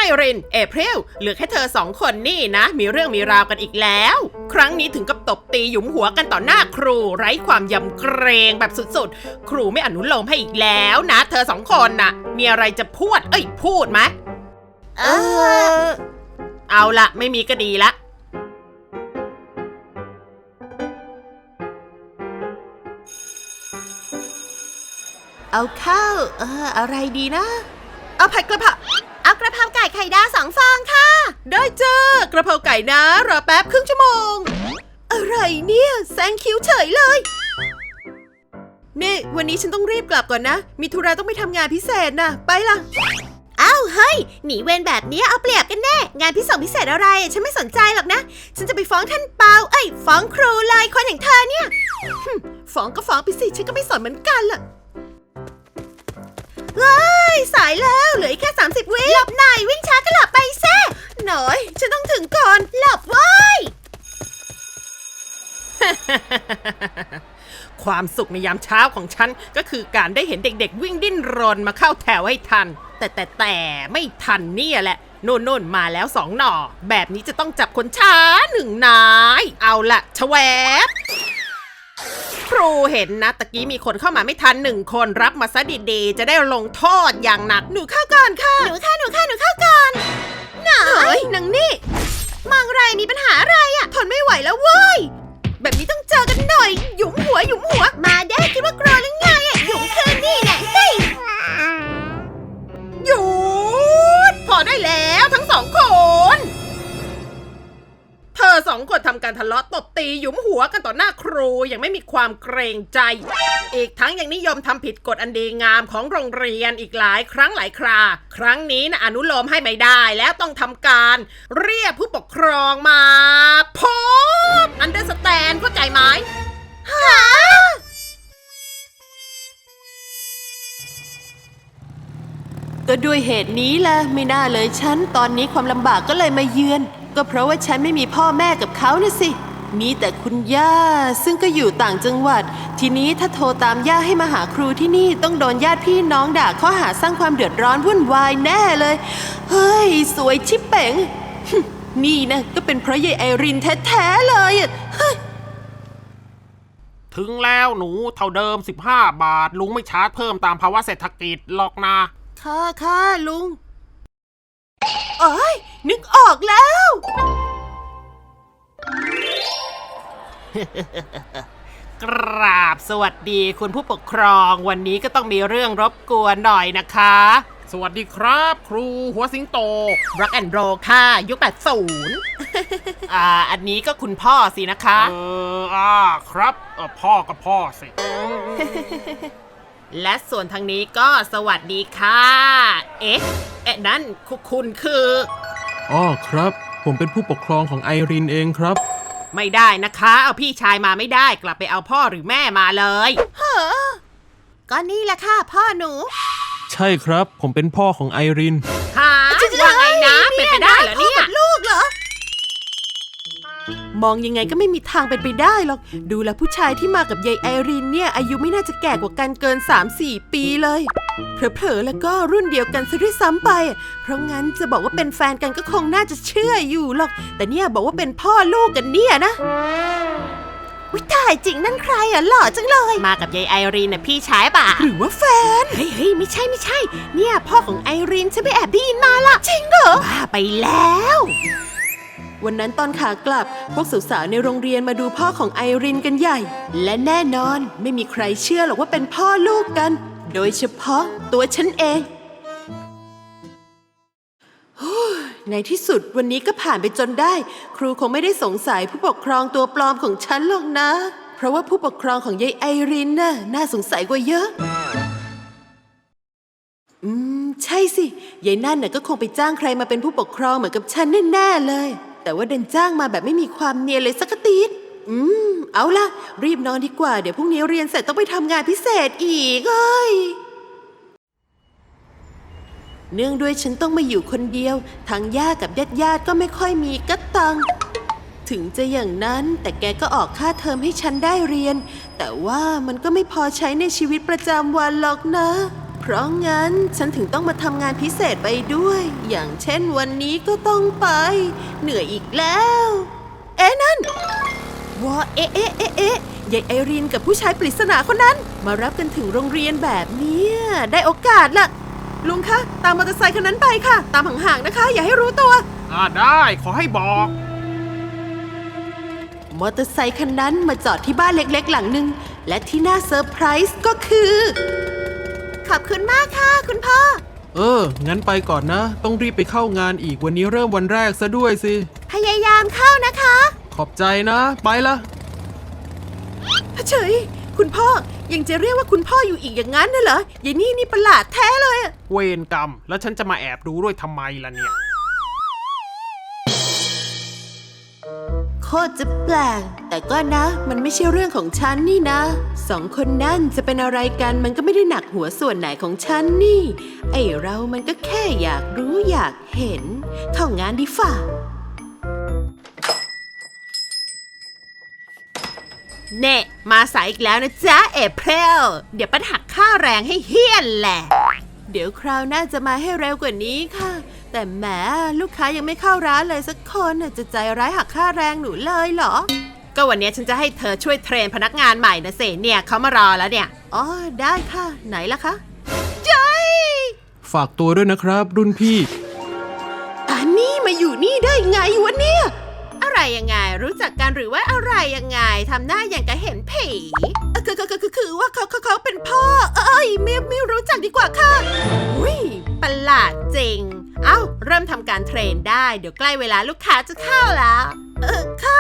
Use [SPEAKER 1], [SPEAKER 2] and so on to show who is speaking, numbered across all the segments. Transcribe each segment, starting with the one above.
[SPEAKER 1] ริน เอพริลเหลือแค่เธอ2 คนนี่นะมีเรื่องมีราวกันอีกแล้วครั้งนี้ถึงกับตบตีหยุมหัวกันต่อหน้าครูไร้ความยำเกรงแบบสุดๆครูไม่อนุโลมให้อีกแล้วนะเธอ2 คนน่ะมีอะไรจะพูดไหมเอาละไม่มีก็ดีละเอาข้าวอะไรดีนะเอาผัดกระเพราเอากระเพราไก่ไข่ดาว2 ฟองค่ะได้จ้ากระเพราไก่นะรอแป๊บครึ่งชั่วโมงอะไรเนี่ยแซงคิวเฉยเลยนี่วันนี้ฉันต้องรีบกลับก่อนนะมีธุระต้องไปทำงานพิเศษนะไปละอ้าวเฮ้ยหนีเวรแบบนี้เอาเปรียบกันแน่งานพิเศษอะไรฉันไม่สนใจหรอกนะฉันจะไปฟ้องท่านเปาฟ้องครูเลยคนอย่างเธอเนี่ยฟ้องก็ฟ้องไปสิฉันก็ไม่สนเหมือนกันล่ะเฮ้ยสายแล้วเหลือแค่30 วิหลบหน่อยวิ่งช้าก็หลับไปแซ่หน่อยฉันต้องถึงก่อนหลับไว้ ความสุขในยามเช้าของฉันก็คือการได้เห็นเด็กๆวิ่งดิ้นรนมาเข้าแถวให้ทันแต่ไม่ทันเนี่ยแหละโน่นมาแล้ว2 หน่อแบบนี้จะต้องจับคนช้า1 นายเอาละชแวบครูเห็นนะตะกี้มีคนเข้ามาไม่ทัน1 คนรับมาซะดีๆจะได้ลงโทษอย่างหนักหนูเข้าก่อนค่ะหนูเข้าก่อนหน่อยนางนี่มองไรมีปัญหาอะไรอะทนไม่ไหวแล้วเว้ยแบบนี้ต้องเจอกันหน่อยหยุมหัวมาได้คิดว่ากลัวหรือไงอะหยุมคืนนี่แหละเฮ้ยหยุดพอได้แล้วทั้ง2 คนเธอ2 คนทำการทะเลาะตบตีหยุมหัวกันต่อหน้าครูยังไม่มีความเกรงใจอีกทั้งยังนิยมทำผิดกฎอันดีงามของโรงเรียนอีกหลายครั้งหลายคราครั้งนี้นะอนุโลมให้ไม่ได้แล้วต้องทำการเรียกผู้ปกครองมาพบอันเดอร์สแตนเข้าใจไหมก็ด้วยเหตุนี้แหละไม่น่าเลยฉันตอนนี้ความลำบากก็เลยมาเยือนก็เพราะว่าฉันไม่มีพ่อแม่กับเขาน่ะสิมีแต่คุณย่าซึ่งก็อยู่ต่างจังหวัดทีนี้ถ้าโทรตามย่าให้มาหาครูที่นี่ต้องโดนญาติพี่น้องด่าข้อหาสร้างความเดือดร้อนวุ่นวายแน่เลยเฮ้ยสวยชิบเป๋งนี่นะก็เป็นเพราะยายไอรินแท้ๆเลย
[SPEAKER 2] ถึงแล้วหนูเท่าเดิม15 บาทลุงไม่ชาร์จเพิ่มตามภาวะเศรษฐกิจหรอกนะ
[SPEAKER 1] ค่ะลุงโอ้ยนึกออกแล้ว กราบสวัสดีคุณผู้ปกครองวันนี้ก็ต้องมีเรื่องรบกวนหน่อยนะคะ
[SPEAKER 2] สวัสดีครับครูหัวสิงโต
[SPEAKER 1] Rock and Roll ค่ะยุค80 อันนี้ก็คุณพ่อสินะคะ
[SPEAKER 2] ครับพ่อก็พ่อสิ
[SPEAKER 1] และส่วนทางนี้ก็สวัสดีค่ะนั่นคุณคือ
[SPEAKER 3] ครับผมเป็นผู้ปกครองของไอรินเองครับ
[SPEAKER 1] ไม่ได้นะคะเอาพี่ชายมาไม่ได้กลับไปเอาพ่อหรือแม่มาเลยก็นี่แหละค่ะพ่อหนู
[SPEAKER 3] ใช่ครับผมเป็นพ่อของไอริน
[SPEAKER 1] ว่าไงนะเป็นไปได้เหรอเนี่ยลูกเหรอมองยังไงก็ไม่มีทางเป็นไปได้หรอกดูแลผู้ชายที่มากับยายไอรินเนี่ยอายุไม่น่าจะแก่กว่ากันเกิน 3-4 ปีเลยเผลอๆแล้วก็รุ่นเดียวกันซะด้วยซ้ำไปเพราะงั้นจะบอกว่าเป็นแฟนกันก็คงน่าจะเชื่ออยู่หรอกแต่เนี่ยบอกว่าเป็นพ่อลูกกันเนี่ยนะวิตายจริงนั่นใครอ่ะหล่อจังเลยมากับยายไอรินน่ะพี่ชายป่ะหรือว่าแฟนเฮ้ยไม่ใช่เนี่ยพ่อของไอรินฉันไปแอบได้ยินมาล่ะจริงเหรอบ้าไปแล้ววันนั้นตอนขากลับพวกสาวๆในโรงเรียนมาดูพ่อของไอรินกันใหญ่และแน่นอนไม่มีใครเชื่อหรอกว่าเป็นพ่อลูกกันโดยเฉพาะตัวฉันเองในที่สุดวันนี้ก็ผ่านไปจนได้ครูคงไม่ได้สงสัยผู้ปกครองตัวปลอมของฉันหรอกนะเพราะว่าผู้ปกครองของยายไอรินน่าสงสัยกว่าเยอะใช่สิยายนั่นก็คงไปจ้างใครมาเป็นผู้ปกครองเหมือนกับฉันแน่ๆเลยแต่ว่าดันจ้างมาแบบไม่มีความเนียนเลยสักทีเอาล่ะรีบนอนดีกว่าเดี๋ยวพรุ่งนี้เรียนเสร็จต้องไปทำงานพิเศษอีกเนื่องด้วยฉันต้องมาอยู่คนเดียวทางย่ากับญาติก็ไม่ค่อยมีกระตังถึงจะอย่างนั้นแต่แกก็ออกค่าเทอมให้ฉันได้เรียนแต่ว่ามันก็ไม่พอใช้ในชีวิตประจำวันหรอกนะเพเพราะงั้นฉันถึงต้องมาทำงานพิเศษไปด้วย อย่างเช่นวันนี้ก็ต้องไป เหนื่อยอีกแล้ว เอ๊ะนั่นว้าเอ๊ะยายไอรินกับผู้ชายปริศนาคนนั้น มารับกันถึงโรงเรียนแบบเนี้ยได้โอกาสละลุงคะตามมอเตอร์ไซค์คันนั้นไปค่ะ ตามห่างๆนะคะ อย่าให้รู้ตัว
[SPEAKER 2] ได้ขอให้บอก
[SPEAKER 1] มอเตอร์ไซคันนั้นมาจอดที่บ้านเล็กๆหลังหนึ่งและที่น่าเซอร์ไพรส์ก็คือขอบคุณมากค่ะคุณพ่อ
[SPEAKER 3] งั้นไปก่อนนะ ต้องรีบไปเข้างานอีกวันนี้เริ่มวันแรกซะด้วยสิ
[SPEAKER 1] พยายามเข้านะคะ
[SPEAKER 3] ขอบใจนะ ไปละ
[SPEAKER 1] เฉยคุณพ่อยังจะเรียกว่าคุณพ่ออยู่อีกอย่างนั้นน่ะเหรอยายนี่ประหลาดแท้เลยอะ
[SPEAKER 2] เวรกรรม แล้วฉันจะมาแอบดูด้วยทำไมล่ะเนี่ย
[SPEAKER 1] โคตรจะแปลกแต่ก็นะ มันไม่ใช่เรื่องของฉันนี่นะสองคนนั่นจะเป็นอะไรกันมันก็ไม่ได้หนักหัวส่วนไหนของฉันนี่ ไอเรามันก็แค่อยากรู้อยากเห็นเข้างานดีฝ่าเน่มาสายอีกแล้วนะจ๊ะเอเพรลเดี๋ยวปัญหักค่าแรงให้เฮี้ยนแหละ เดี๋ยวคราวหน้าจะมาให้เร็วกว่านี้ค่ะ แต่แหมลูกค้ายังไม่เข้าร้านเลยสักคนจะใจร้ายหักค่าแรงหนูเลยเหรอ ก็วันนี้ฉันจะให้เธอช่วยเทรนพนักงานใหม่นะเสเนี่ยเขามารอแล้วเนี่ยอ๋อได้ค่ะไหนล่ะคะใจ
[SPEAKER 3] ฝากตัวด้วยนะครับ รุ่นพี่
[SPEAKER 1] อันนี้มาอยู่นี่ได้ไงวะเนี่ยอะไรยังไงรู้จักกันหรือว่าอะไรยังไงทำหน้าอย่างกับเห็นผีคือว่าเขาเป็นพ่อไม่รู้จักดีกว่าค่ะอุ้ยประหลาดจริงเอ้าเริ่มทำการเทรนได้เดี๋ยวใกล้เวลาลูกค้าจะเข้าแล้วค่ะ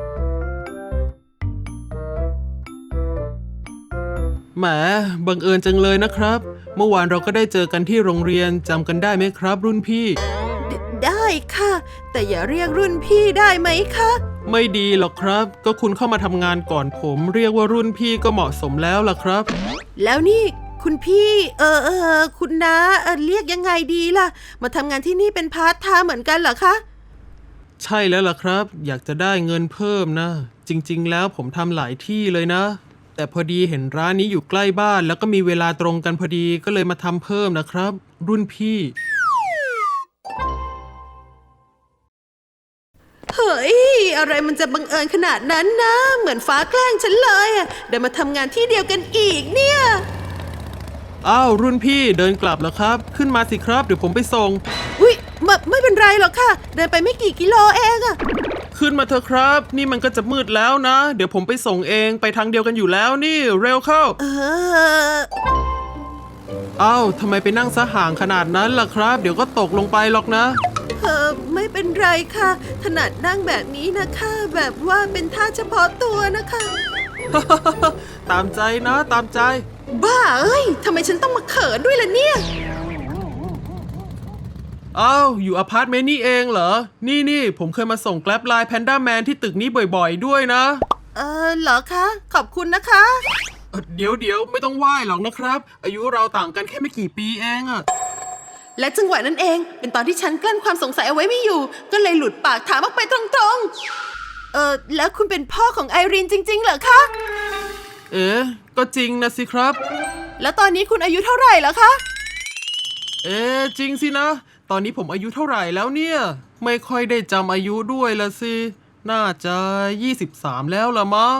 [SPEAKER 3] แหมบังเอิญจังเลยนะครับ เมื่อวานเราก็ได้เจอกันที่โรงเรียนจำกันได้ไหมครับ รุ่นพี่
[SPEAKER 1] ได้ค่ะ แต่อย่าเรียกรุ่นพี่ได้ไหมคะ
[SPEAKER 3] ไม่ดีหรอกครับ ก็คุณเข้ามาทำงานก่อนผม เรียกว่ารุ่นพี่ก็เหมาะสมแล้วล่ะครับ
[SPEAKER 1] แล้วนี่คุณพี่คุณน้าเรียกยังไงดีล่ะมาทำงานที่นี่เป็นพาร์ทไทม์เหมือนกันเหรอคะ
[SPEAKER 3] ใช่แล้วล่ะครับ อยากจะได้เงินเพิ่มนะ จริงๆแล้วผมทำหลายที่เลยนะ แต่พอดีเห็นร้านนี้อยู่ใกล้บ้านแล้วก็มีเวลาตรงกันพอดีก็เลยมาทำเพิ่มนะครับ รุ่นพี่
[SPEAKER 1] เฮ้ยอะไรมันจะบังเอิญขนาดนั้นนะเหมือนฟ้าแกล้งฉันเลยเดี๋ยวมาทำงานที่เดียวกันอีกเนี่ย
[SPEAKER 3] อ้าวรุ่นพี่เดินกลับแล้วครับ ขึ้นมาสิครับเดี๋ยวผมไปส่ง
[SPEAKER 1] อุ๊ยไม่เป็นไรหรอกค่ะเดินไปไม่กี่กิโลเองอะ
[SPEAKER 3] ขึ้นมาเถอะครับ นี่มันก็จะมืดแล้วนะ เดี๋ยวผมไปส่งเองไปทางเดียวกันอยู่แล้วนี่เร็วเข้าอ้าวทำไมไปนั่งซะห่างขนาดนั้นล่ะครับ เดี๋ยวก็ตกลงไปหรอกนะ
[SPEAKER 1] ไม่เป็นไรค่ะถนัดนั่งแบบนี้นะคะแบบว่าเป็นท่าเฉพาะตัวนะคะ
[SPEAKER 3] ตามใจนะตามใจ
[SPEAKER 1] บ้าเอ้ยทำไมฉันต้องมาเขินด้วยล่ะเนี่ย
[SPEAKER 3] อ้าวอยู่อพาร์ตเมนต์นี่เองเหรอ นี่ผมเคยมาส่งแกร็บไลน์แพนด้าแมนที่ตึกนี้บ่อยๆด้วยนะ
[SPEAKER 1] เหรอคะขอบคุณนะคะ
[SPEAKER 3] เดี๋ยวไม่ต้องไหว้หรอกนะครับ อายุเราต่างกันแค่ไม่กี่ปีเองอะ
[SPEAKER 1] และจังหวะนั้นเองเป็นตอนที่ฉันกลั้นความสงสัยเอาไว้ไม่อยู่ก็เลยหลุดปากถามออกไปตรงๆแล้วคุณเป็นพ่อของไอรีนจริงๆเหรอคะ
[SPEAKER 3] เอ๊ะก็จริงนะสิครับ
[SPEAKER 1] แล้วตอนนี้คุณอายุเท่าไหร่แล้วคะ
[SPEAKER 3] เอ๊ะจริงสินะ ตอนนี้ผมอายุเท่าไหร่แล้วเนี่ย ไม่ค่อยได้จำอายุด้วยละสิ น่าจะ 23 แล้วละมั้ง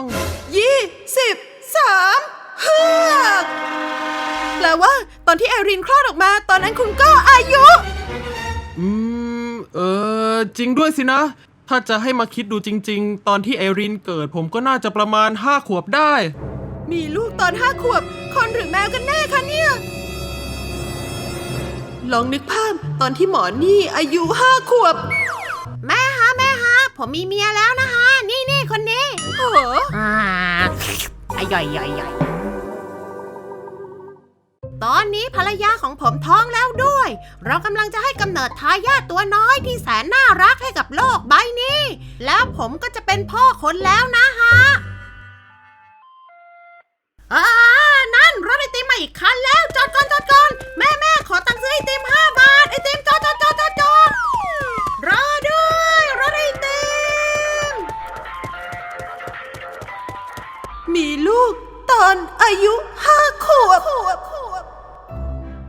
[SPEAKER 1] 23เฮือกแปลว่าตอนที่ไอรีนคลอดออกมาตอนนั้นคุณก็อายุ
[SPEAKER 3] จริงด้วยสินะ ถ้าจะให้มาคิดดูจริงๆ ตอนที่ไอรินเกิดผมก็น่าจะประมาณ5 ขวบได้
[SPEAKER 1] มีลูกตอน5 ขวบคนหรือแมวกันแน่คะเนี่ยลองนึกภาพตอนที่หมอนี่อายุ5 ขวบแม่ฮะผมมีเมียแล้วนะคะนี่คนนี้โหใหญ่ตอนนี้ภรรยาของผมท้องแล้วด้วย เรากำลังจะให้กำเนิดทายาทตัวน้อยที่แสนน่ารักให้กับโลกใบนี้ แล้วผมก็จะเป็นพ่อคนแล้วนะฮะนั่นรถไอติมมาอีกคันแล้วจอดก่อนแม่ขอตังค์ซื้อไอติม5 บาทไอติมจอดรอด้วยรถไอติมมีลูกตอนอายุ5 ขวบ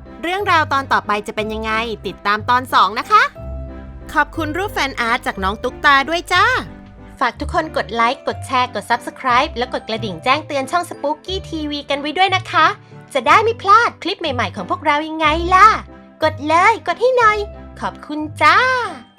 [SPEAKER 1] ตอนต่อไปจะเป็นยังไงติดตามตอน 2 นะคะ ขอบคุณรูปแฟนอาร์ตจากน้องตุ๊กตาด้วยจ้า ฝากทุกคนกดไลค์ กดแชร์ กด Subscribe แล้วกดกระดิ่งแจ้งเตือนช่อง Spooky TV กันไว้ด้วยนะคะ จะได้ไม่พลาดคลิปใหม่ๆของพวกเรายังไงล่ะ กดเลย กดให้หน่อย ขอบคุณจ้า